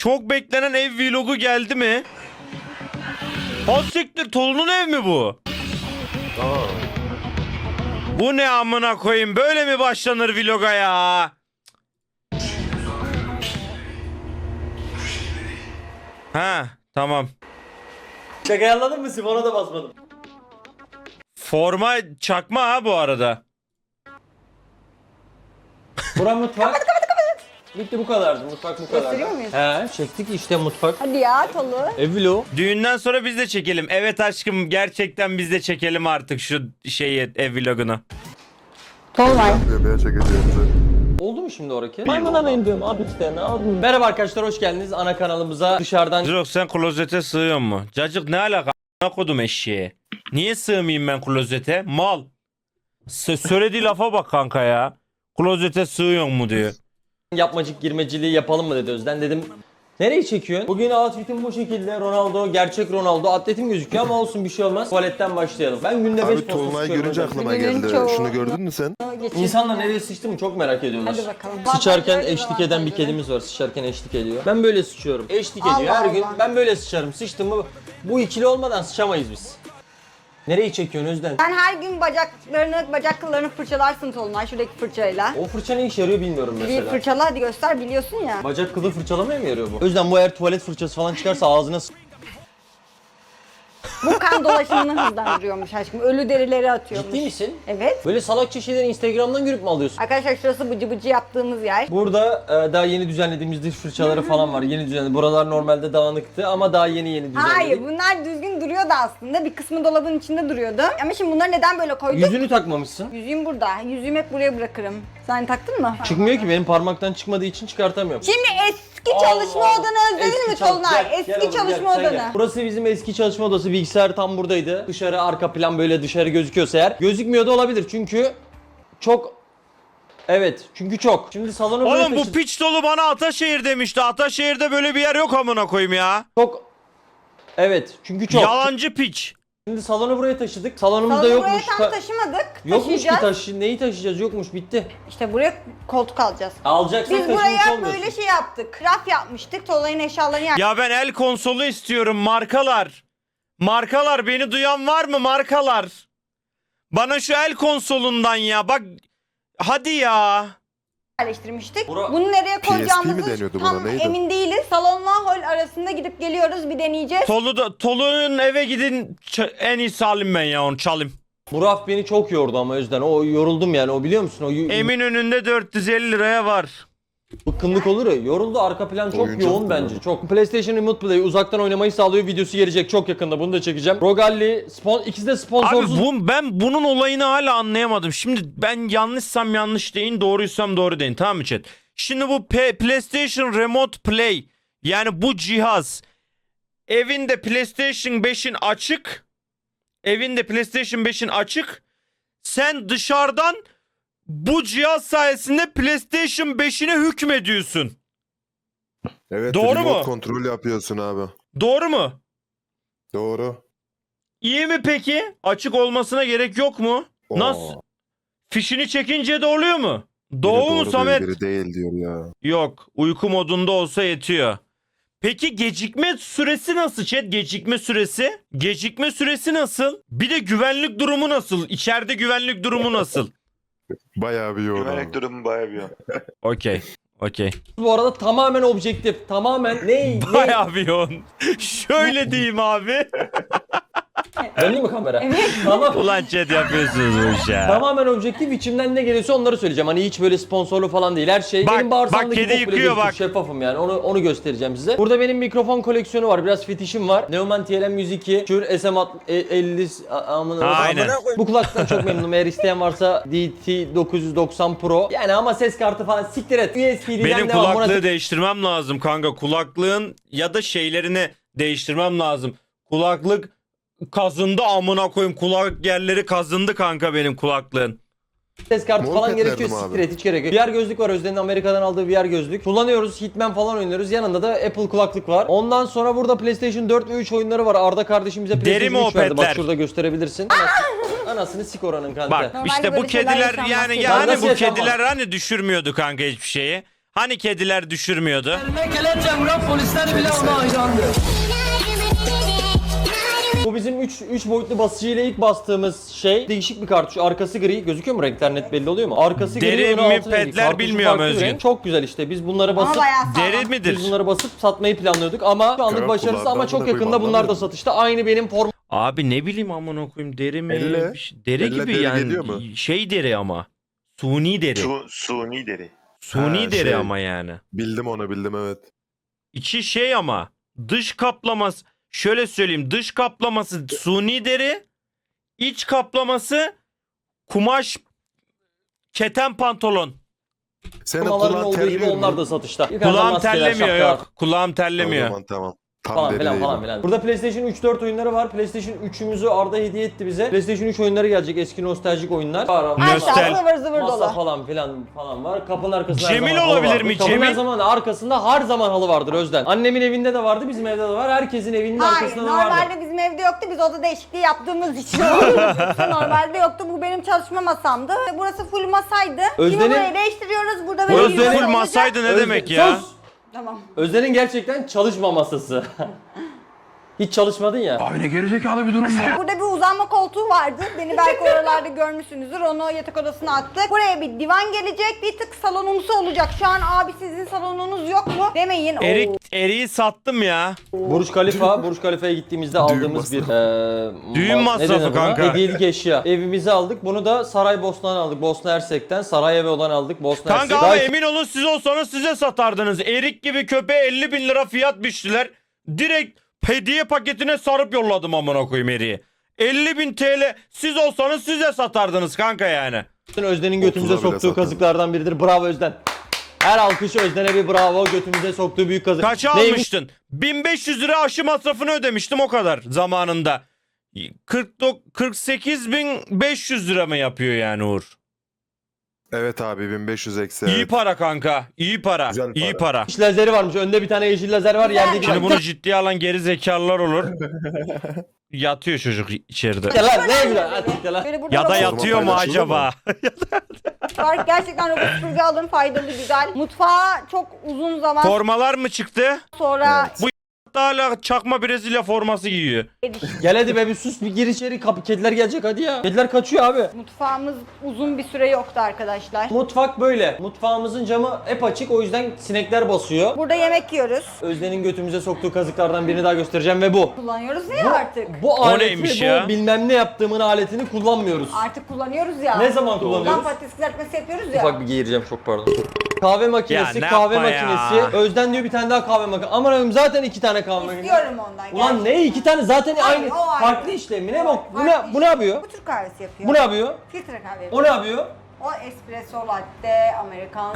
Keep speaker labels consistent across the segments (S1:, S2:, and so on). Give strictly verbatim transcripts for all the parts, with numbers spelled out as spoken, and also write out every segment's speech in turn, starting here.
S1: Çok beklenen ev vlogu geldi mi? O siktir, Tolu'nun ev mi bu?
S2: Aa.
S1: Bu ne amına koyayım? Böyle mi başlanır vloga ya? Ha, tamam.
S3: Şaka ayarladın mı? Simon'a da basmadım.
S1: Forma çakma ha bu arada.
S3: Bura mutfak. Bitti, bu kadardı. Mutfak bu kadar.
S4: Gösteriyor muyuz?
S3: He, çektik işte mutfak.
S4: Hadi ya Tolu.
S3: Ev vlogu.
S1: Düğünden sonra biz de çekelim. Evet aşkım, gerçekten biz de çekelim artık şu şeyi, ev vlogunu.
S4: Tolunay.
S2: Yemeğe çekeceğimizi.
S3: Oldu mu şimdi oraki? Maymuna indim abi işte ne yapayım? Merhaba arkadaşlar, hoş geldiniz ana kanalımıza. Dışarıdan
S1: Jirok, sen klozete sığıyor mu? Cacık ne alaka? A**ına kodum eşeğe. Niye sığmayayım ben klozete? Mal. S- söylediği lafa bak kanka ya. Klozete sığıyor mu diyor.
S3: yapmacık girmeciliği yapalım mı dedi Özden. Dedim nereye çekiyorsun? Bugün outfitim bu şekilde. Ronaldo, gerçek Ronaldo. Atletim gözüküyor ama olsun, bir şey olmaz. Tuvaletten başlayalım. Ben günde beş
S2: Abi Tolunay görünce aklıma
S4: Bugünün
S2: geldi.
S4: çoğu-
S2: Şunu gördün mü sen?
S4: Geçin.
S3: İnsanlar nereye sıçtı mı çok merak ediyorlar.
S4: Hadi bakalım.
S3: Sıçarken
S4: Avantajları,
S3: eşlik eden bir
S4: dezavantajları.
S3: kedimiz var. Sıçarken eşlik ediyor. Ben böyle sıçıyorum. Eşlik
S4: Allah
S3: ediyor her gün.
S4: Allah.
S3: Ben böyle sıçarım. Sıçtım mı bu ikili olmadan sıçamayız biz. Nereyi çekiyorsun Özden?
S4: Sen her gün bacaklarını, bacak kıllarını fırçalarsın Tolunay şuradaki fırçayla.
S3: O fırça ne işe yarıyor bilmiyorum
S4: Bir
S3: mesela.
S4: fırçala hadi göster, biliyorsun ya.
S3: Bacak kılı fırçalamaya mı yarıyor bu? Özden bu eğer tuvalet fırçası falan çıkarsa ağzına s-
S4: Bu kan dolaşımını hızlandırıyormuş aşkım. Ölü derileri atıyormuş.
S3: Ciddi misin?
S4: Evet.
S3: Böyle salakça şeyleri Instagram'dan görüp mü alıyorsun?
S4: Arkadaşlar şurası bıcı bıcı yaptığımız yer.
S3: Burada e, daha yeni düzenlediğimiz diş fırçaları falan var. Yeni düzenledik. Buralar normalde dağınıktı ama daha yeni yeni düzenledik.
S4: Hayır, bunlar düzgün duruyordu aslında. Bir kısmı dolabın içinde duruyordu. Ama şimdi bunları neden böyle koyduk?
S3: Yüzünü takmamışsın.
S4: Yüzüğüm burada. Yüzüğümü hep buraya bırakırım. Sen taktın mı?
S3: Çıkmıyor ki, benim parmaktan çıkmadığı için çıkartamıyorum.
S4: Şimdi eski çalışma
S3: Allah.
S4: odanı özledin
S3: Eski
S4: mi
S3: çal-
S4: Tolunay?
S3: Gel,
S4: Eski
S3: gel oğlum,
S4: çalışma
S3: gel, sen
S4: odanı.
S3: gel. Burası bizim eski çalışma odası. Bilgisayar tam buradaydı. Dışarı arka plan böyle dışarı gözüküyorsa eğer. Gözükmüyor da olabilir çünkü çok... Evet çünkü çok. Şimdi salonu böyle
S1: Oğlum bu
S3: taşıdık.
S1: piç dolu bana Ataşehir demişti. Ataşehir'de böyle bir yer yok amına koyayım ya.
S3: Çok... Evet çünkü çok.
S1: Yalancı piç.
S3: Şimdi salonu buraya taşıdık. Salonumuzda
S4: Salonu
S3: yokmuş.
S4: buraya tam
S3: Ta-
S4: taşımadık.
S3: Yokmuş ki
S4: Taşıyacağız.
S3: taşı. Neyi taşıyacağız? Yokmuş, bitti.
S4: İşte buraya koltuk alacağız.
S3: Alacaksak
S4: Biz
S3: taşımış
S4: buraya
S3: olmuyorsun.
S4: böyle şey yaptık. Raf yapmıştık. Tolay'ın eşyalarını yer.
S1: Ya ben el konsolu istiyorum, markalar. Markalar, beni duyan var mı markalar? Bana şu el konsolundan ya bak. Hadi ya.
S4: yerleştirmiştik.
S3: Bura-
S4: Bunu nereye
S2: P S P mi
S4: koyacağımızı
S2: deniyordu buna,
S4: tam
S2: neydi?
S4: emin değiliz. Salonla hol arasında gidip geliyoruz, bir deneyeceğiz.
S1: Tolu da, Tolu'nun eve gidin, ç- en iyisi alayım ben ya, onu çalayım.
S3: Bu raf beni çok yordu ama Özden. O yoruldum yani, o biliyor musun? O y-
S1: Emin önünde dört yüz elli liraya var.
S3: bıkkınlık olur ya. Yoruldu, arka plan çok
S2: Oyuncak
S3: yoğun
S2: mı
S3: bence.
S2: bu?
S3: Çok. PlayStation Remote Play uzaktan oynamayı sağlıyor. Videosu gelecek çok yakında. Bunu da çekeceğim. Rogalli spon ikisi de
S1: Abi
S3: sponsorsuz.
S1: bu, ben bunun olayını hala anlayamadım. Şimdi ben yanlışsam yanlış deyin, doğruysam doğru deyin, tamam mı chat? Şimdi bu P- PlayStation Remote Play, yani bu cihaz evinde PlayStation beşin açık. Evinde PlayStation beşin açık. Sen dışarıdan bu cihaz sayesinde PlayStation beşine hükmediyorsun.
S2: Evet.
S1: Doğru
S2: remote
S1: mu?
S2: kontrol yapıyorsun abi.
S1: Doğru mu?
S2: Doğru.
S1: İyi mi peki? Açık olmasına gerek yok mu?
S2: Oo.
S1: Nasıl? Fişini çekince de oluyor mu?
S2: Biri
S1: Doğu mu
S2: doğru diyor,
S1: Samet?
S2: biri değil diyor ya.
S1: Yok. Uyku modunda olsa yetiyor. Peki gecikme süresi nasıl chat? Gecikme süresi? Gecikme süresi nasıl? Bir de güvenlik durumu nasıl? İçeride güvenlik durumu nasıl?
S2: Bayağı bir yoğun
S5: Güvenlik
S2: abi.
S5: durumu bayağı bir yoğun.
S1: Okey. Okey.
S3: Bu arada tamamen objektif. Tamamen ne? ne?
S1: Bayağı bir yoğun. Şöyle diyeyim abi.
S3: Döndü mü kamera?
S4: Evet.
S3: Tamam.
S1: Ulan chat yapıyorsunuz bu işi ya.
S3: Tamamen objektif, içimden ne geliyorsa onları söyleyeceğim. Hani hiç böyle sponsorlu falan değil. Her şey
S1: Bak,
S3: benim bağırsağımdaki
S1: bak, kedi
S3: bok bile
S1: yıkıyor
S3: gözükür,
S1: bak.
S3: şeffafım yani. Onu onu göstereceğim size. Burada benim mikrofon koleksiyonu var. Biraz fetişim var. Neumann T L M yüz iki, Shure S M elli a- amına
S1: Aynen.
S3: Bu kulaklıktan çok memnunum. Eğer isteyen varsa D T dokuz yüz doksan Pro. Yani ama ses kartı falan siktir et. U S B'den
S1: Benim
S3: devam.
S1: kulaklığı
S3: Buna-
S1: değiştirmem lazım kanka. Kulaklığın ya da şeylerini değiştirmem lazım. Kulaklık kazındı amına koyayım. Kulak yerleri kazındı kanka benim kulaklığın.
S3: Ses kartı falan
S2: Muhabbet
S3: gerekiyor,
S2: verdim
S3: siktir
S2: abi.
S3: et, hiç gerek yok. V R gözlük var, Özden'in Amerika'dan aldığı V R gözlük. Kullanıyoruz, Hitman falan oynuyoruz. Yanında da Apple kulaklık var. Ondan sonra burada PlayStation dört ve üç oyunları var. Arda kardeşim bize
S1: Deri mi
S3: PlayStation
S1: o
S3: üç verdi. Bak
S1: petler?
S3: şurada gösterebilirsin. Anasını, anasını sik oranın kanka.
S1: Bak
S4: Normalde
S1: işte bu
S4: böyle şeyler
S1: kediler
S4: yaşanmaz
S1: yani
S4: ki.
S1: yani
S3: Nasıl
S1: bu
S3: yaşanmaz?
S1: kediler hani düşürmüyordu kanka hiçbir şeyi. Hani kediler düşürmüyordu?
S3: Bu bizim üç üç boyutlu basıcıyla ilk bastığımız şey. Değişik bir kartuş. Arkası gri. Gözüküyor mu? Renkler net belli oluyor mu? Arkası
S1: Deri
S3: gri, önü
S1: mi,
S3: altı rengi.
S1: petler
S3: Kartuşu
S1: bilmiyorum
S3: farklı bir
S1: Özgün.
S3: renk. Çok güzel işte. Biz bunları
S4: Ama
S3: basıp
S4: bayağı sağlam.
S1: Deri
S3: biz
S1: midir?
S3: bunları basıp satmayı planlıyorduk ama şu anlık
S2: Kral
S3: başarısız ama
S2: kulağından
S3: çok
S2: buna
S3: yakında
S2: koyayım,
S3: bunlar da
S2: anlamıyor
S3: satışta. Aynı benim form
S1: Abi ne bileyim amına koyayım deri mi?
S2: Elle-
S1: Bir şey- Deri
S2: elle
S1: gibi
S2: deri
S1: yani.
S2: geliyor mu?
S1: Şey deri ama. Suni deri.
S5: Su, suni deri.
S1: Suni
S2: Ha,
S1: deri
S2: şey.
S1: ama yani.
S2: Bildim onu bildim evet.
S1: İçi şey ama dış kaplaması şöyle söyleyeyim dış kaplaması suni deri, iç kaplaması kumaş keten pantolon.
S2: Senin
S3: formaların
S2: kulağın
S3: olduğu gibi
S2: terliyor mu?
S3: onlar da satışta. Yukarıdan
S1: Kulağım
S3: maskeler,
S1: terlemiyor
S3: şapkalar
S1: yok. Kulağım
S2: O
S1: terlemiyor.
S2: zaman tamam. Tam
S3: Falan
S2: deri
S3: filan
S2: değil
S3: falan
S2: bu.
S3: filan. Burada PlayStation üç dört oyunları var. PlayStation üçümüzü Arda hediye etti bize. PlayStation üç oyunları gelecek. Eski nostaljik oyunlar. Var.
S1: Nostal-
S4: Aşağı zıvır zıvır
S3: Masa
S4: dolu.
S3: falan filan falan var. Kapının arkasında
S1: Cemil
S3: her zaman halı
S1: olabilir
S3: vardır.
S1: mi?
S3: Kapının
S1: Cemil?
S3: her zaman arkasında her zaman halı vardır Özden. Annemin evinde de vardı, bizim evde de var. Herkesin evinin
S4: Hayır,
S3: arkasında da vardır.
S4: normalde bizim evde yoktu. Biz oda değişikliği yaptığımız için oldu. Normalde yoktu. Bu benim çalışma masamdı. Burası full masaydı. Şimdi
S3: Özden'in-
S4: burayı değiştiriyoruz. Burada
S3: Bu
S4: böyle
S3: Özden'in-
S4: yuvarlak
S1: Full
S4: olacak.
S1: masaydı ne
S3: Özden-
S1: demek ya?
S3: Sus!
S4: Tamam.
S3: Özden'in gerçekten çalışma masası. Hiç çalışmadın ya.
S4: Burada bir uzanma koltuğu vardı. Beni belki oralarda görmüşsünüzdür. Onu yatak odasına attık. Buraya bir divan gelecek. Bir tık salonumsu olacak. Şu an abi sizin salonunuz yok mu? Demeyin. Oo.
S1: Erik eriği sattım ya.
S3: Burj Khalifa, Burj Khalifa'ya gittiğimizde aldığımız bir eee
S1: Düğün
S3: ma-
S1: masrafı
S3: ne denir buna?
S1: kanka.
S3: Hediyelik eşya. Evimize aldık. Bunu da Saraybosna'dan aldık. Bosna Hersek'ten. Sarayevo'dan aldık. Bosna
S1: Kanka
S3: Hersek.
S1: ama
S3: Gayet-
S1: emin olun siz olsanız size satardınız. Erik gibi köpeğe elli bin lira fiyat biçtiler. Direkt hediye paketine sarıp yolladım amına koyayım eriği. elli bin T L siz olsanız size satardınız kanka yani.
S3: Özden'in götümüze
S2: otuza bile
S3: soktuğu
S2: sattım.
S3: kazıklardan biridir. Bravo Özden. Her alkış Özden'e bir bravo. Götümüze soktuğu büyük kazık.
S1: Kaça
S3: Neymiş?
S1: almıştın? bin beş yüz lira aşı masrafını ödemiştim o kadar zamanında. kırk dokuz kırk sekiz bin beş yüz lira mı yapıyor yani Uğur?
S2: Evet abi bin beş yüz eksi.
S1: İyi
S2: evet.
S1: para kanka. İyi para.
S2: Güzel
S1: İyi
S2: para.
S1: para.
S3: Yeşil lazeri varmış. Önde bir tane yeşil lazer var.
S4: Güzel.
S3: Yerde bir
S1: Şimdi
S3: tane.
S1: bunu ciddiye alan geri zekalılar olur. Yatıyor çocuk içeride.
S3: Ya lan ne güzel. Hadi git lan.
S4: Böyle burada
S1: Ya da
S4: robot
S1: yatıyor mu
S2: paylaşılır mı?
S1: acaba?
S4: var. Gerçekten robot süpürge alın. Faydalı, güzel. Mutfağa çok uzun zaman
S1: Formalar mı çıktı?
S4: sonra
S1: Bu hala çakma Brezilya forması giyiyor.
S4: eriştik.
S3: Gel hadi be bir sus bir gir içeri. Kapı kediler gelecek hadi ya. Kediler kaçıyor abi.
S4: Mutfağımız uzun bir süre yoktu arkadaşlar.
S3: Mutfak böyle. Mutfağımızın camı hep açık o yüzden sinekler basıyor.
S4: Burada yemek yiyoruz.
S3: Özden'in götümüze soktuğu kazıklardan birini daha göstereceğim ve bu.
S4: Kullanıyoruz ya artık.
S3: Bu aleti,
S1: neymiş
S3: bu
S1: ya?
S3: bilmem ne yaptığımın aletini kullanmıyoruz.
S4: Artık kullanıyoruz ya.
S3: Ne zaman
S4: Lan
S3: kullanıyoruz?
S4: patates kızartması yapıyoruz ya.
S3: Ufak bir geğireceğim çok pardon. Kahve makinesi,
S1: Ya ne
S3: kahve
S1: yapma ya?
S3: makinesi. Özden diyor bir tane daha kahve makinesi. Aman Allah'ım zaten iki tane kahve makinesi.
S4: İstiyorum ondan.
S3: Ulan
S4: gerçekten.
S3: ne iki tane zaten
S4: Hayır,
S3: aynı
S4: o ayrı.
S3: farklı işlemi ne bak bu ne
S4: Farklı
S3: bu ne yapıyor?
S4: Bu Türk kahvesi yapıyor.
S3: Bu ne yapıyor?
S4: Filtre kahve
S3: O
S4: yapıyor.
S3: ne yapıyor?
S4: O espresso latte, americano.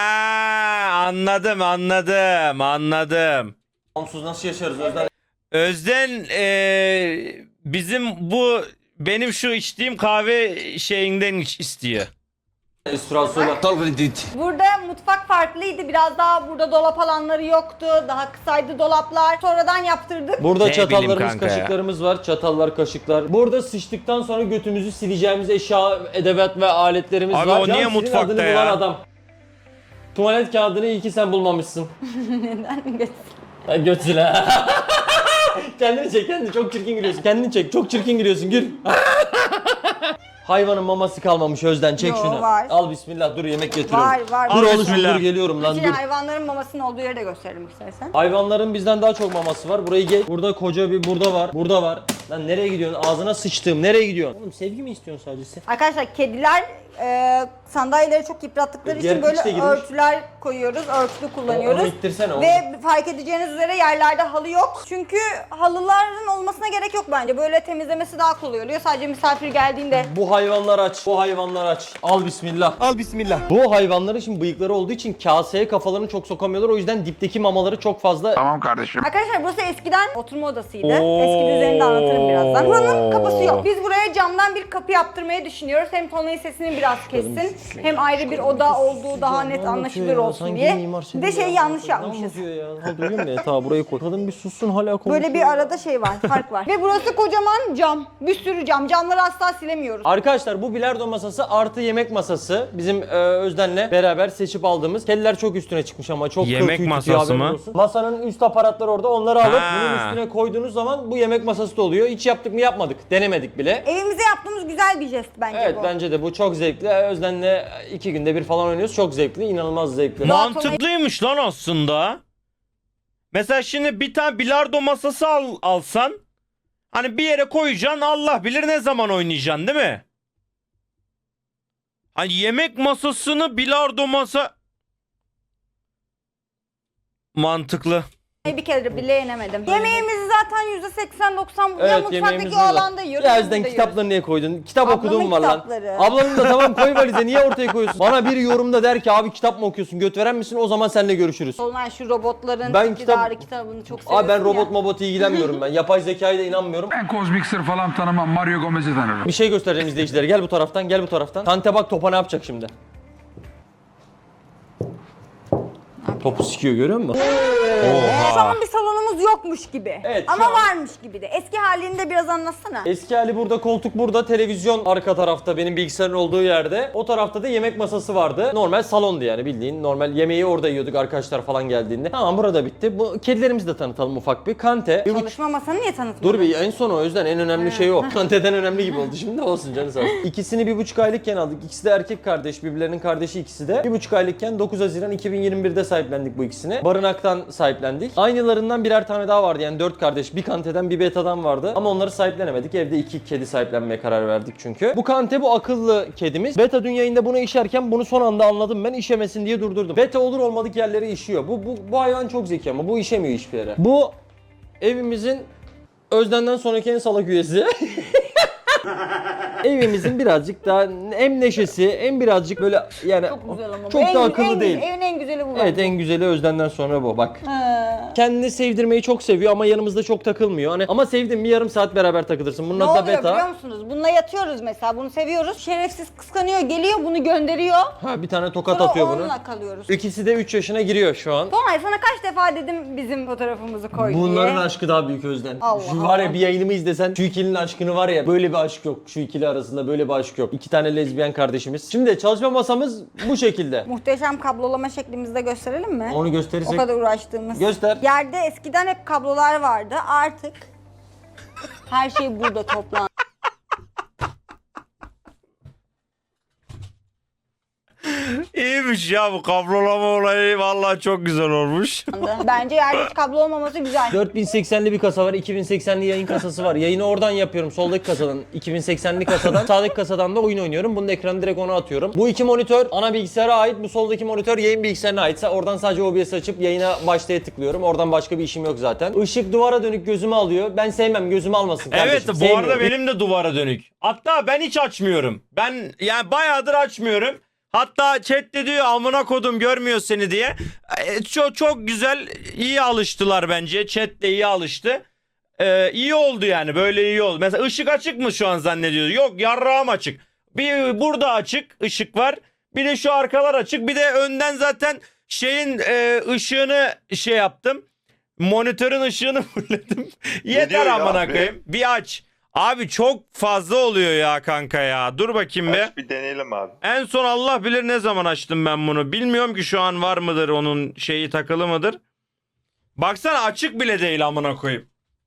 S1: Ha, anladım anladım anladım.
S3: Onsuz nasıl yaşarız Özden?
S1: Özden eee, bizim bu benim şu içtiğim kahve şeyinden iç- istiyor.
S3: Espresso'yla.
S4: Burada mutfak farklıydı. Biraz daha burada dolap alanları yoktu. Daha kısaydı dolaplar. Sonradan yaptırdık.
S3: Burada
S1: Ne bileyim
S3: çatallarımız,
S1: kanka ya.
S3: kaşıklarımız var. Çatallar, kaşıklar. Burada sıçtıktan sonra götümüzü sileceğimiz eşya, edevat ve aletlerimiz
S1: Abi
S3: var.
S1: o niye
S3: Can, senin
S1: mutfakta
S3: adını
S1: ya?
S3: bulan adam. Tuvalet kağıdını iyi ki sen bulmamışsın.
S4: Neden götür?
S3: Ha, göt sil ha. Kendini çek, kendini çok çirkin gülüyorsun. Kendini çek, çok çirkin gülüyorsun. Gül. Hayvanın maması kalmamış Özden, çek
S4: Yo,
S3: şunu.
S4: var.
S3: Al bismillah, dur yemek getiriyorum.
S4: Var var.
S3: Dur
S1: Al
S3: oğlum
S1: bismillah.
S3: dur geliyorum lan
S4: İçine
S3: dur.
S4: hayvanların mamasının olduğu yeri de gösterelim istersen.
S3: Hayvanların bizden daha çok maması var. Burayı geç. Burada koca bir burada var. Burada var. Lan nereye gidiyorsun? Ağzına sıçtığım. Nereye gidiyorsun? Oğlum sevgi mi istiyorsun sadece sen?
S4: Arkadaşlar kediler e, sandalyeleri çok yıprattıkları için
S3: Diğer
S4: böyle
S3: piç de girmiş.
S4: örtüler koyuyoruz. Örtülü kullanıyoruz.
S3: Onu ittirsene oğlum.
S4: Ve fark edeceğiniz üzere yerlerde halı yok. Çünkü halıların olmasına gerek yok bence. Böyle temizlemesi daha kolay oluyor. Sadece misafir geldiğinde
S3: Bu hayvanlar aç. Bu hayvanlar aç. Al bismillah. Al bismillah. Bu hayvanların şimdi bıyıkları olduğu için kaseye kafalarını çok sokamıyorlar. O yüzden dipteki mamaları çok fazla.
S4: Arkadaşlar burası eskiden oturma odasıydı.
S1: Oo.
S4: Eski düzenini de anlatırım birazdan. Buranın kapısı yok. Biz buraya camdan bir kapı yaptırmayı düşünüyoruz. Hem Tolunay'ın sesini biraz biraz kessin. Hem ayrı bir oda olduğu daha net anlaşılır olsun diye. Bir de şey yanlış yapmışız.
S3: Duyuyor musun? Ta burayı koy. Kadın bir sussun hala konuşuyor.
S4: Böyle bir arada şey var, fark var. Ve burası kocaman cam. Bir sürü cam. Camları asla silemiyoruz.
S3: Arkadaşlar bu bilardo masası artı yemek masası. Bizim e, Özden'le beraber seçip aldığımız. Kediler çok üstüne çıkmış ama çok
S1: Yemek
S3: kıl tüy
S1: masası
S3: tutuyor, haberin
S1: mı?
S3: olsun. Masanın üst aparatları orada. Onları alıp
S1: Ha.
S3: bunun üstüne koyduğunuz zaman bu yemek masası da oluyor. Hiç yaptık mı yapmadık. Denemedik bile.
S4: Evimize yaptığımız güzel bir jest bence
S3: Evet
S4: bu.
S3: bence de bu çok zevkli. Özden'le iki günde bir falan oynuyoruz. Çok zevkli, inanılmaz zevkli.
S1: Mantıklıymış lan aslında. Mesela şimdi bir tane bilardo masası al, alsan hani bir yere koyacaksın, Allah bilir ne zaman oynayacaksın değil mi? Hani yemek masasını bilardo masa mantıklı.
S4: Bir kere bile yenemedim. Yemeğimizi zaten yüzde seksen doksan ya
S3: Evet,
S4: mutfaktaki
S3: yemeğimiz
S4: o
S3: burada.
S4: alanda yiyoruz.
S3: Ya
S4: ya
S3: Özden
S4: burada
S3: kitaplarını niye koydun? Kitap
S4: Ablamın
S3: okuduğum var lan.
S4: kitapları.
S3: Ablanın da tamam koy valize, niye ortaya koyuyorsun? Bana bir yorumda der ki abi kitap mı okuyorsun, göt veren misin? O zaman seninle görüşürüz.
S4: Solmay şu robotların
S3: Ben
S4: iktidarı
S3: kitap-
S4: kitabını çok seviyorsun
S3: Abi ben robot
S4: ya.
S3: mobot ilgilenmiyorum ben. Yapay zekaya da inanmıyorum.
S5: Ben Kozmik Sır falan tanımam. Mario Gomez'i tanırım.
S3: Bir şey göstereceğim izleyicilere. Gel bu taraftan, gel bu taraftan. Tante bak topa ne yapacak şimdi? Topu sikiyor, görüyor musun?
S4: Şu an bir salonumuz yokmuş gibi.
S3: Evet, şu
S4: Ama
S3: an-
S4: varmış gibi de. Eski halini de biraz anlatsana.
S3: Eski hali burada, koltuk burada, televizyon arka tarafta benim bilgisayarın olduğu yerde. O tarafta da yemek masası vardı. Normal salondu yani, bildiğin normal yemeği orada yiyorduk arkadaşlar falan geldiğinde. Tamam, burada bitti. Bu kedilerimizi de tanıtalım ufak bir. Kante. Bir buçuk-
S4: Çalışma masanı niye tanıtmadın?
S3: Dur bir, en son o yüzden en önemli şey o. Kante'den önemli gibi oldu şimdi, olsun canı sağ olsun. İkisini bir buçuk aylıkken aldık. İkisi de erkek kardeş, birbirlerinin kardeşi ikisi de. Bir buçuk aylıkken dokuz Haziran iki bin yirmi birde sahiplendik bu ikisini. Barınaktan sahiplendik. Aynılarından birer tane daha vardı yani dört kardeş. Bir Kante'den bir Beta'dan vardı. Ama onları sahiplenemedik. Evde iki kedi sahiplenmeye karar verdik çünkü. Bu Kante bu akıllı kedimiz. Beta dün yayında bunu işerken bunu son anda anladım ben. İşemesin diye durdurdum. Beta olur olmadık yerlere işiyor. Bu, bu, bu hayvan çok zeki ama bu işemiyor hiçbir yere. Bu evimizin Özden'den sonraki en salak üyesi. Evimizin birazcık daha hem neşesi hem birazcık böyle yani
S4: Çok güzel ama bu.
S3: çok
S4: En
S3: da
S4: gü-
S3: akıllı
S4: en,
S3: değil.
S4: Evin en güzeli bu.
S3: Evet,
S4: bence.
S3: en güzeli Özden'den sonra bu bak.
S4: Ha.
S3: Kendini sevdirmeyi çok seviyor ama yanımızda çok takılmıyor. Hani ama sevdim bir yarım saat beraber takılırsın. Bunun
S4: Ne
S3: adı da
S4: oluyor biliyor
S3: Beta.
S4: musunuz? Bununla yatıyoruz mesela. Bunu seviyoruz. Şerefsiz kıskanıyor, geliyor, bunu gönderiyor.
S3: Ha, bir tane tokat
S4: Sonra
S3: atıyor bunu.
S4: onunla kalıyoruz.
S3: İkisi de üç yaşına giriyor şu an.
S4: Tonay sana kaç defa dedim bizim fotoğrafımızı koy
S3: Bunların
S4: diye.
S3: aşkı daha büyük Özden.
S4: Allah
S3: Şu var ya,
S4: Allah.
S3: bir yayınımı izlesen şu ikilinin aşkını var ya, böyle bir aşk yok. Şu ikili arasında böyle bir aşk yok. İki tane lezbiyen kardeşimiz. Şimdi çalışma masamız bu şekilde.
S4: Muhteşem kablolama şeklimizi de gösterelim mi?
S3: Onu
S4: O
S3: gösterirsek.
S4: kadar uğraştığımız.
S3: Göster.
S4: Yerde eskiden hep kablolar vardı. Artık her şey burada toplandı.
S1: İyiymiş ya bu kablolama olayı, vallahi çok güzel olmuş.
S4: Bence yerde hiç kablo olmaması güzel.
S3: dört bin seksenli bir kasa var, iki bin seksenli yayın kasası var. Yayını oradan yapıyorum, soldaki kasadan. iki bin seksenli kasadan, sağdaki kasadan da oyun oynuyorum. Bunun ekranı direkt ona atıyorum. Bu iki monitör ana bilgisayara ait, bu soldaki monitör yayın bilgisayarına aitse oradan sadece O B S açıp yayına başlaya tıklıyorum. Oradan başka bir işim yok zaten. Işık duvara dönük gözümü alıyor. Ben sevmem, gözümü almasın kardeşim.
S1: Evet, bu
S3: Sevmiyorum.
S1: arada benim de duvara dönük. Hatta ben hiç açmıyorum. Ben yani bayağıdır açmıyorum. Hatta chat de diyor amına kodum görmüyor seni diye. E, çok çok güzel, iyi alıştılar bence. Chat de iyi alıştı. E, iyi oldu yani, böyle iyi oldu. Mesela ışık açık mı şu an zannediyoruz? Yok, yarrağım açık. Bir burada açık ışık var. Bir de şu arkalar açık. Bir de önden zaten şeyin e, ışığını şey yaptım. Monitörün ışığını fullledim. Yeter
S2: diyor ya
S1: amına
S2: abi?
S1: koyayım. Bir aç. Abi çok fazla oluyor ya kanka ya. Dur bakayım be.
S2: Aç bir deneyelim abi.
S1: En son Allah bilir ne zaman açtım ben bunu. Bilmiyorum ki şu an var mıdır, onun şeyi takılı mıdır. Baksana, açık bile değil amına koyayım.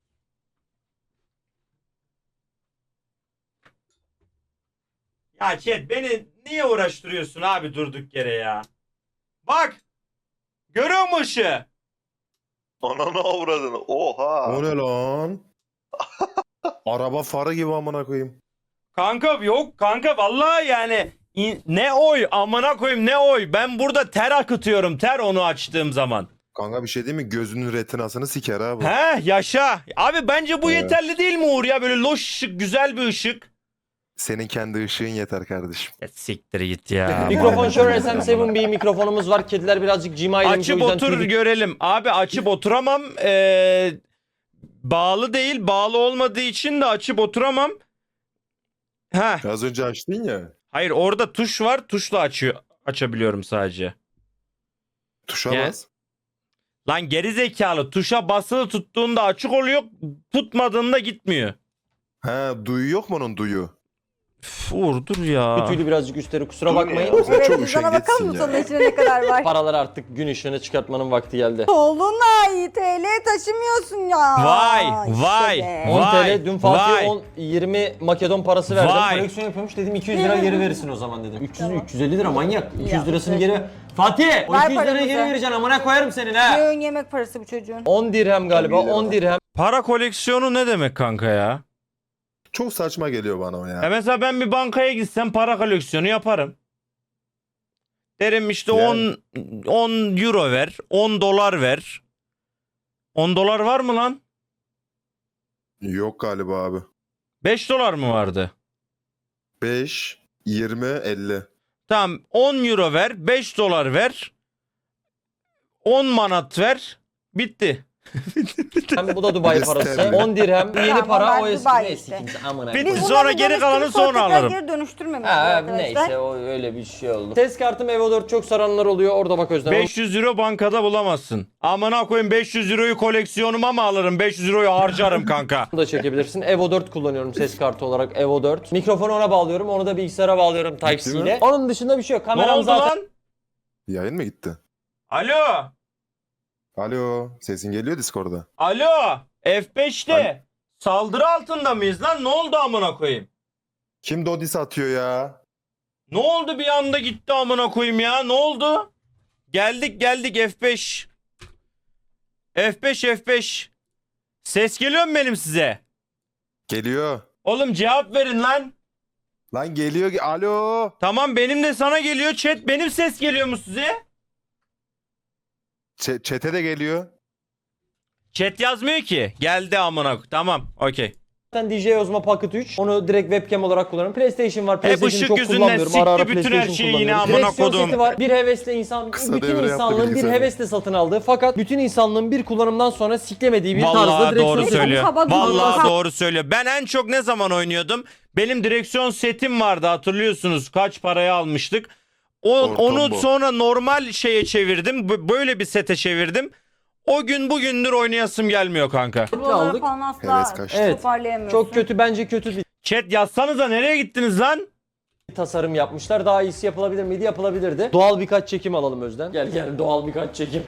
S1: Ya chat, beni niye uğraştırıyorsun abi durduk yere ya. Bak. Görüyor musun ışığı?
S2: Ananı avradını. Oha.
S6: O ne lan? Araba farı gibi amına koyayım.
S1: Kanka yok kanka, vallahi yani in- ne oy amına koyayım, ne oy. Ben burada ter akıtıyorum, ter onu açtığım zaman.
S6: Kanka bir şey değil mi? Gözünün retinasını siker abi.
S1: He yaşa. Abi bence bu
S6: Evet.
S1: yeterli değil mi Uğur ya? Böyle loş ışık, güzel bir ışık.
S6: Senin kendi ışığın yeter kardeşim.
S1: Ya siktir git ya.
S3: Mikrofon Shure S M seven B mikrofonumuz var. Kediler birazcık cima edilmiş, o
S1: Açıp
S3: yüzden
S1: otur
S3: tüy-
S1: görelim. Abi açıp oturamam. Ee, bağlı değil. Bağlı olmadığı için de açıp oturamam. Ha.
S6: Az önce açtın ya.
S1: Hayır orada tuş var. Tuşla açıyor açabiliyorum sadece.
S6: Tuşa
S1: Ya-
S6: bas.
S1: Lan geri zekalı tuşa basılı tuttuğunda açık oluyor. Tutmadığında gitmiyor.
S6: He duyu yok mu onun duyu?
S1: Üf, Uğur dur ya.
S3: Tüylü birazcık üstleri kusura
S2: Dur
S3: bakmayın.
S2: ya.
S6: Sen
S4: Evet,
S6: çok
S4: cüzdana bakalım mı
S6: üşengeçsin
S4: sonra
S6: ya.
S4: içine ne kadar var?
S3: Paraları artık gün ışığına çıkartmanın vakti geldi.
S4: Dolunay T L taşımıyorsun ya.
S1: Vay,
S4: İşte
S1: vay,
S4: be.
S3: on
S1: Vay,
S3: T L dün Fatih
S1: vay.
S3: on yirmi Makedon parası verdim.
S1: Vay.
S3: Koleksiyon yapıyormuş dedim iki yüz lira geri verirsin o zaman dedim. üç yüz
S4: Tamam.
S3: üç yüz elli lira manyak. iki yüz
S4: Ya,
S3: lirasını
S4: peki.
S3: geri ver. Fatih o
S4: Ver
S3: iki yüz lirayı
S4: paramızı.
S3: geri vereceksin amına koyarım senin ha.
S4: Bir öğün yemek parası bu çocuğun.
S3: on dirhem galiba
S2: on lira.
S3: on dirhem.
S1: Para koleksiyonu ne demek kanka ya?
S6: Çok saçma geliyor bana o ya.
S1: Ya mesela ben bir bankaya gitsem para koleksiyonu yaparım. Derim işte
S6: Yani.
S1: on on euro ver, on dolar ver. on dolar var mı lan?
S6: Yok galiba abi.
S1: beş dolar mı vardı?
S6: beş, yirmi, elli.
S1: Tamam on euro ver, beş dolar ver. on manat ver. Bitti.
S3: Hem bu da Dubai
S6: Bir de
S3: parası.
S6: sterlin.
S3: on dirhem yeni
S4: Tamam,
S3: para
S4: ben
S3: o eski
S4: Dubai
S3: neyse
S4: işte.
S3: kimse amına.
S1: Biz
S4: Biz
S1: Sonra
S4: bunları
S1: geri kalanı
S4: dönüştürüp
S1: sonra
S4: tekrar
S1: alırım.
S4: Geri dönüştürmemiz
S3: Ha,
S4: arkadaşlar.
S3: neyse o öyle bir şey oldu. Ses kartım Evo dört çok saranlar oluyor orada bak Özlem.
S1: beş yüz euro bankada bulamazsın. Amına koyayım beş yüz euroyu koleksiyonuma mı alırım? beş yüz euroyu harcarım kanka.
S3: Onu da çekebilirsin. Evo dört kullanıyorum ses kartı olarak Evo dört. Mikrofonu ona bağlıyorum. Onu da bilgisayara bağlıyorum Type-C
S6: Değil
S3: ile.
S6: mi?
S3: Onun dışında bir şey yok.
S1: Ne
S3: Kameram
S1: oldu
S3: zaten
S1: lan?
S6: Yayın mı gitti?
S1: Alo.
S6: Alo. Sesin geliyor Discord'da.
S1: Alo. F beşte. Saldırı altında mıyız lan? Ne oldu amına koyayım?
S6: Kim Dodis atıyor ya?
S1: Ne oldu bir anda gitti amına koyayım ya? Ne oldu? Geldik geldik F beş. F beş F beş. Ses geliyor mu benim size?
S6: Geliyor.
S1: Oğlum cevap verin lan.
S6: Lan geliyor. ge- Alo.
S1: Tamam benim de sana geliyor. Chat benim ses geliyor mu size?
S6: Ç- Çete de geliyor.
S1: Chat yazmıyor ki. Geldi amına koyayım. Tamam okey.
S3: D J Osmo Pocket üç. Onu direkt webcam olarak kullanıyorum. PlayStation var.
S1: Hep
S3: PlayStation'ı
S1: ışık
S3: çok
S1: yüzünden
S3: kullanmıyorum. Ara ara
S1: sikti bütün her
S3: PlayStation
S1: şeyi yine
S3: kullanıyorum.
S1: amına
S3: Direksiyon
S1: kodum.
S3: seti var. Bir hevesle insan,
S6: Kısa
S3: bütün
S6: devre yaptı
S3: insanlığın bir
S6: bilgisayarı.
S3: hevesle satın aldığı fakat bütün insanlığın bir kullanımdan sonra siklemediği bir tarzda
S1: Vallahi
S3: direksiyon
S1: doğru
S3: seti.
S1: söylüyor.
S4: Kaba gibi.
S1: Vallahi
S4: Kaba.
S1: doğru söylüyor. Ben en çok ne zaman oynuyordum? Benim direksiyon setim vardı hatırlıyorsunuz. Kaç paraya almıştık? O,
S6: Ortambo.
S1: onu sonra normal şeye çevirdim. B- Böyle bir sete çevirdim. O gün bugündür oynayasım gelmiyor kanka.
S4: Buraları
S3: aldık.
S4: falan asla
S6: Heves kaçtı.
S3: Evet.
S4: toparlayamıyorsun.
S3: Çok kötü bence kötü bir
S1: Chat yazsanıza nereye gittiniz lan?
S3: tasarım yapmışlar. Daha iyisi yapılabilir miydi? Yapılabilirdi. Doğal birkaç çekim alalım Özden. Gel gel doğal birkaç çekim.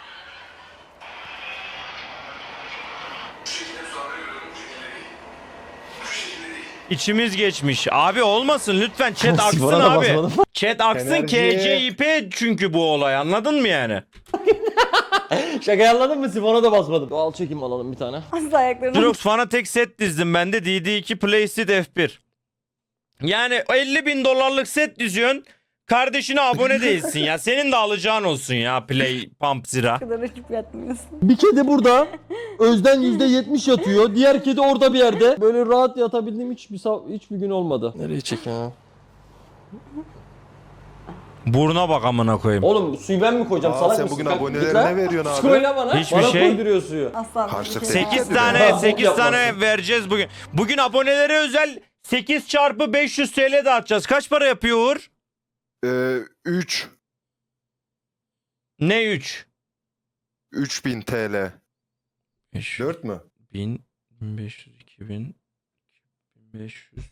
S1: İçimiz geçmiş. Abi olmasın lütfen chat aksın
S3: Sifona da
S1: abi.
S3: basmadım.
S1: Chat aksın
S6: Enerji.
S1: K C I P çünkü bu olay anladın mı yani?
S3: Şaka anladın mı? Sifona da basmadım. Doğal çekim alalım bir tane.
S4: Asla ayaklarını
S1: Drox Fanatec set dizdim ben de D D iki Playseat F bir. Yani elli bin dolarlık set diziyorsun. Kardeşine abone değilsin ya. Senin de alacağın olsun ya Play Pump Zira.
S4: kadar açıp yatmıyorsun.
S3: Bir kedi burada. Özden yüzde yetmiş yatıyor. Diğer kedi orada bir yerde. Böyle rahat yatabildiğim hiçbir sa- hiçbir gün olmadı. Nereye çek ya?
S1: Buruna bak amına koyayım.
S3: Oğlum suyu ben mi koyacağım?
S6: Aa,
S3: Salak
S6: sen
S3: mısın?
S6: bugün
S3: Kalk,
S6: abonelerine
S3: git lan.
S6: veriyorsun abi.
S3: Söyle bana.
S1: Hiçbir
S3: bana
S1: şey.
S3: koyduruyor suyu.
S4: Asla bir
S6: Harçlık
S4: şey.
S6: sekiz
S1: sekiz
S6: Bok
S1: tane
S3: yapmazsın.
S1: sekiz tane vereceğiz bugün. Bugün abonelere özel sekiz çarpı beş yüz T L dağıtacağız. Kaç para yapıyor Uğur?
S6: Ee, üç.
S1: Ne üç?
S6: üç bin T L. dört mü?
S1: bin, bin beş yüz, iki bin, bin beş yüz,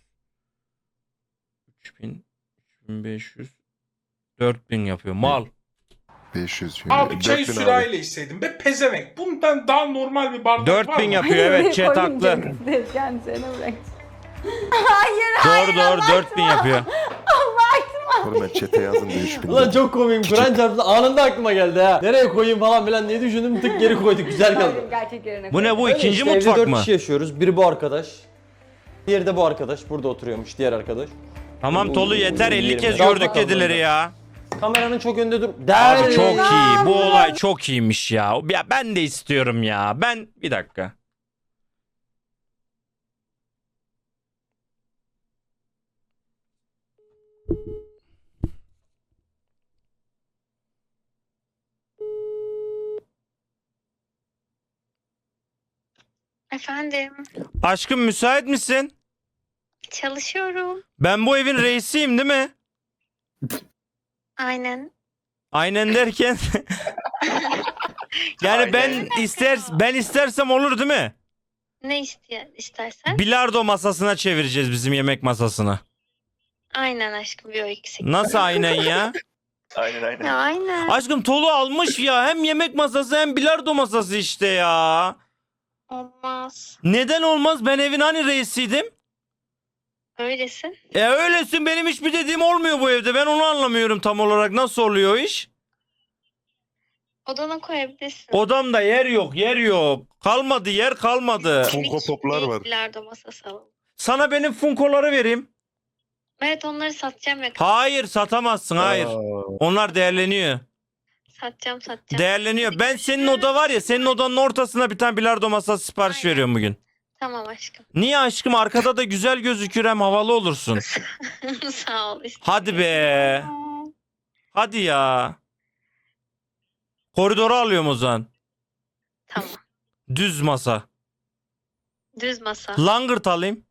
S1: üç bin, üç bin beş yüz, dört bin yapıyor. Mal.
S6: beş yüz.
S7: Abi çayı
S6: dört bin
S7: sürahiyle içseydim be pezevenk. Bundan daha normal bir bardak var
S1: dört bin
S7: mı?
S1: yapıyor evet chat haklı.
S4: Kendisine bırak.
S1: Doğru doğru dört bin yapıyor.
S6: Oğlum ben chat'e yazın diye üç bin.
S3: Ulan çok komiyim. Kur'an çarptı. Anında aklıma geldi ha. Nereye koyayım falan filan diye düşündüm. Tık geri koyduk. Güzel kaldı.
S4: Gerçek yerine
S1: Bu ne bu
S3: Öyle
S1: ikinci
S3: işte, evde
S1: mutfak
S3: dört
S1: mı?
S3: kişi yaşıyoruz. Biri bu arkadaş. Diğeri de bu arkadaş. Burada oturuyormuş diğer arkadaş.
S1: Tamam Tolu yeter elli kez
S3: Daha
S1: gördük
S3: bakalım
S1: kedileri
S3: orada.
S1: ya.
S3: Kameranın çok önünde dur.
S1: Abi
S3: Der.
S1: çok iyi. Bu olay çok iyiymiş ya. Ya ben de istiyorum ya. Ben bir dakika.
S8: Efendim,
S1: Aşkım müsait misin?
S8: Çalışıyorum.
S1: Ben bu evin reisiyim değil mi?
S8: Aynen.
S1: Aynen derken yani ben ister ben istersem olur değil mi?
S8: Ne istiyor, istersen?
S1: Bilardo masasına çevireceğiz bizim yemek masasını.
S8: Aynen aşkım, bir o eksik.
S1: Nasıl aynen ya?
S2: Aynen aynen.
S8: Ya aynen.
S1: Aşkım Tolu almış ya, hem yemek masası hem bilardo masası işte ya.
S8: Olmaz.
S1: Neden olmaz? Ben evin hani reisiydim?
S8: Öylesin.
S1: E öylesin, benim hiçbir dediğim olmuyor bu evde. Ben onu anlamıyorum tam olarak, nasıl oluyor o iş?
S8: Odana koyabilirsin.
S1: Odamda yer yok, yer yok. Kalmadı, yer kalmadı.
S6: Funko Pop'lar var.
S8: Bilardo masası alalım.
S1: Sana benim funkoları vereyim.
S8: Evet, onları satacağım yakın.
S1: Hayır, satamazsın, hayır.
S6: Aa,
S1: Onlar değerleniyor.
S8: Satacağım satacağım.
S1: Değerleniyor. Ben senin oda var ya, senin odanın ortasına bir tane bilardo masası sipariş
S8: Aynen.
S1: veriyorum bugün.
S8: Tamam aşkım.
S1: Niye aşkım? Arkada da güzel gözükür, hem havalı olursun.
S8: Sağ ol işte.
S1: Hadi be. Hadi ya. Koridoru alıyorum o zaman.
S8: Tamam.
S1: Düz masa.
S8: Düz masa.
S1: Langırt alayım.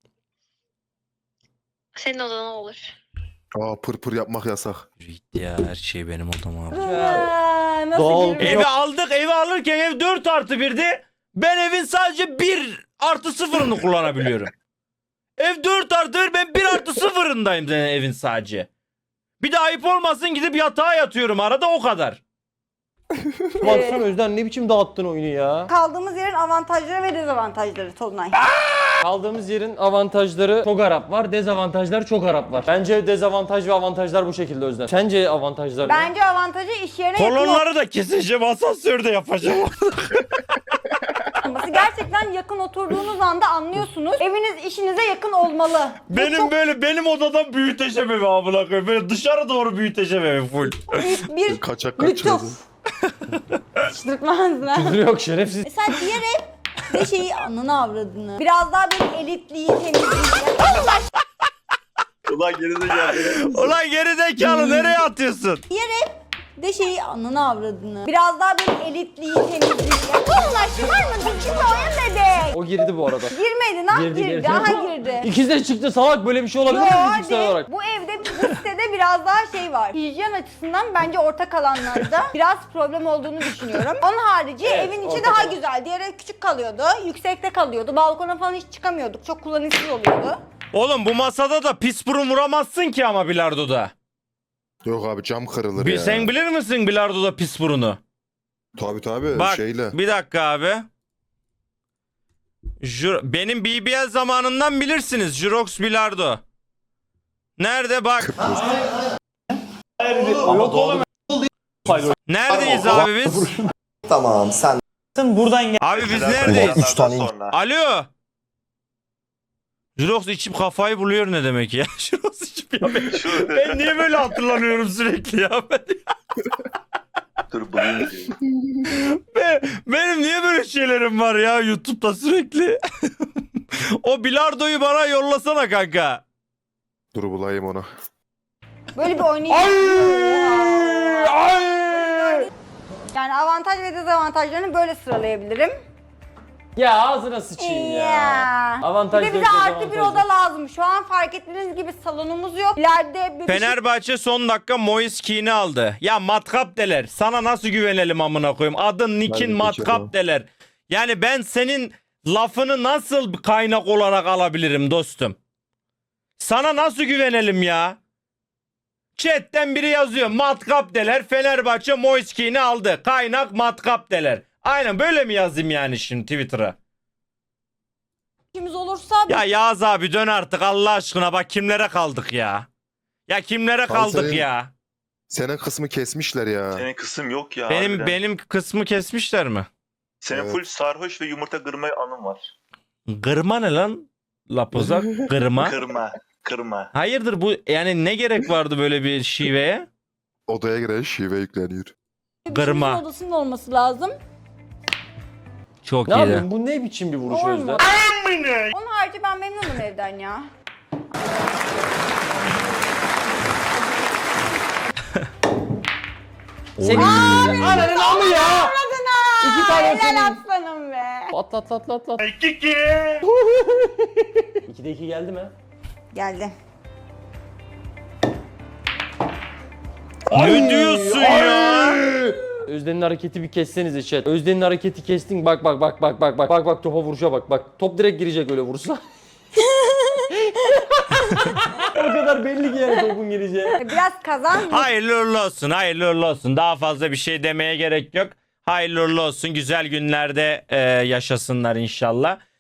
S8: Senin odana olur.
S6: aa, pır pır yapmak yasak.
S1: Gitti ya, her şey benim odam abi.
S4: Aa, nasıl
S3: Doğal-
S4: girmiş?
S1: Evi aldık, evi alırken ev dört artı birdi. Ben evin sadece bir artı sıfırını kullanabiliyorum. Ev dört artı bir, ben bir artı sıfırındayım senin evin sadece. Bir de ayıp olmasın, gidip yatağa yatıyorum arada, o kadar.
S3: Baksana Özden, ne biçim dağıttın oyunu ya.
S4: Kaldığımız yerin avantajları ve dezavantajları Tolunay.
S3: Kaldığımız yerin avantajları çok Arap var, dezavantajları çok Arap var. Bence dezavantaj ve avantajlar bu şekilde Özden. Sence avantajlar ne?
S4: Bence avantajı iş yerine yakın
S1: Kolonları da keseceğim, asansörde yapacağım.
S4: olması. Gerçekten yakın oturduğunuz anda anlıyorsunuz. Eviniz işinize yakın olmalı. Bu
S1: Benim
S4: çok
S1: böyle benim odadan büyüteçem evi amına koyayım. Böyle dışarı doğru büyüteçem evi full.
S4: büyük bir
S6: Kaçak kaçıyordu.
S4: lütuf. Çıldırtmaz lan.
S3: Küfür yok, şerefsiz.
S4: Mesela diğer ev de şeyi anını avradını. Biraz daha böyle elitliği, temizliği. Allah
S2: Ulan geri de geldi.
S1: Ulan gerizekalı, nereye atıyorsun?
S4: diğer ev de şeyi anını avradını. Biraz daha böyle elitliği, temizliği. Allah şımar mı? Şimdi oyun bebek.
S3: O girdi bu arada.
S4: Girmedi lan
S3: Girdi,
S4: girdi.
S3: girdi.
S4: Aha girdi.
S3: İkiz de çıktı salak, böyle bir şey olabilir mi
S4: Yo,
S3: fiziksel
S4: hadi.
S3: olarak?
S4: Bu evde, bu sitede biraz daha şey var. Hijyen açısından bence ortak alanlarda biraz problem olduğunu düşünüyorum. Onun harici
S3: Evet,
S4: evin içi
S3: ortak
S4: daha
S3: alan.
S4: güzel. Diğer ev küçük kalıyordu, yüksekte kalıyordu. Balkona falan hiç çıkamıyorduk. Çok kullanışsız oluyordu.
S1: Oğlum bu masada da pis burun vuramazsın ki ama bilardoda.
S6: Yok abi, cam kırılır
S1: Bir,
S6: ya.
S1: sen bilir misin bilardoda pis burunu?
S6: Tabii tabii,
S1: Bak
S6: şeyle.
S1: bir dakika abi. Jur benim B B L zamanından bilirsiniz. Jurox bilardo. Nerede bak.
S3: Yok oğlum.
S1: Neredeyiz abi biz?
S9: Tamam sen
S1: Abi biz neredeyiz?
S9: Üç tane
S2: Sonra.
S1: Alo. Jurox içip kafayı buluyor ne demek ya? Jurox içip ya ben, ben niye böyle hatırlanıyorum sürekli ya? Ben,
S2: Dur bulayım.
S1: ben- benim niye böyle şeylerim var ya YouTube'da sürekli? O bilardoyu bana yollasana kanka.
S6: Dur bulayım onu.
S4: Böyle bir oynayış. Yani avantaj ve dezavantajlarını böyle sıralayabilirim.
S3: Ya ağzına sıçayım ya.
S4: Ya. Bir
S3: Avantajları,
S4: de bize artı bir
S3: dezavantajları.
S4: oda lazım. Şu an fark ettiğiniz gibi salonumuz yok. İleride bir
S1: Fenerbahçe son dakika Moise Keane'i aldı. Ya matkap deler. Sana nasıl güvenelim amına koyayım? Adın Nick'in
S6: Ben
S1: matkap
S6: geçerim.
S1: deler. Yani ben senin lafını nasıl kaynak olarak alabilirim dostum? Sana nasıl güvenelim ya? Chat'ten biri yazıyor. Matkap deler. Fenerbahçe Moise Keane'i aldı. Kaynak matkap deler. Aynen böyle mi yazayım yani şimdi Twitter'a?
S4: işimiz olursa
S1: Ya Yağız abi dön artık Allah aşkına, bak kimlere kaldık ya. Ya kimlere
S6: Abi
S1: kaldık
S6: senin-
S1: ya.
S6: Senin kısmı kesmişler ya.
S2: Senin kısım yok ya.
S1: Benim
S2: harbiden.
S1: benim kısmı kesmişler mi?
S2: Senin
S6: Evet.
S2: full sarhoş ve yumurta kırma anın var.
S1: Gırma ne lan? Lapozak gırma.
S2: Kırma. Kırma.
S1: Hayırdır bu, yani ne gerek vardı böyle bir şiveye?
S6: Odaya giren şive yükleniyor.
S1: Gırma.
S4: işimizin odasının olması lazım.
S1: Çok
S3: Ne
S1: iyiydi.
S3: yapayım, bu ne biçim bir vuruş
S4: Olmaz.
S3: Özden?
S4: Onun harici ben memnunum evden ya.
S3: Senin ananın amı ya.
S4: Adına!
S3: İki tane
S4: Helal
S3: senin.
S4: aslanım be.
S3: Atlat atlat atlat.
S1: İki.
S3: ikide iki geldi mi?
S4: Geldi.
S1: Ne diyorsun ya?
S3: Özden'in hareketi bir kessenize chat. Özden'in hareketi kestin. Bak bak bak bak bak bak. Bak bak topa vuruşa bak bak. Top direkt girecek öyle vursa. O kadar belli ki yani topun gireceği.
S4: Biraz kazan.
S1: Hayırlı uğurlu olsun, hayırlı uğurlu olsun. Daha fazla bir şey demeye gerek yok. Hayırlı uğurlu olsun. Güzel günlerde e, yaşasınlar inşallah.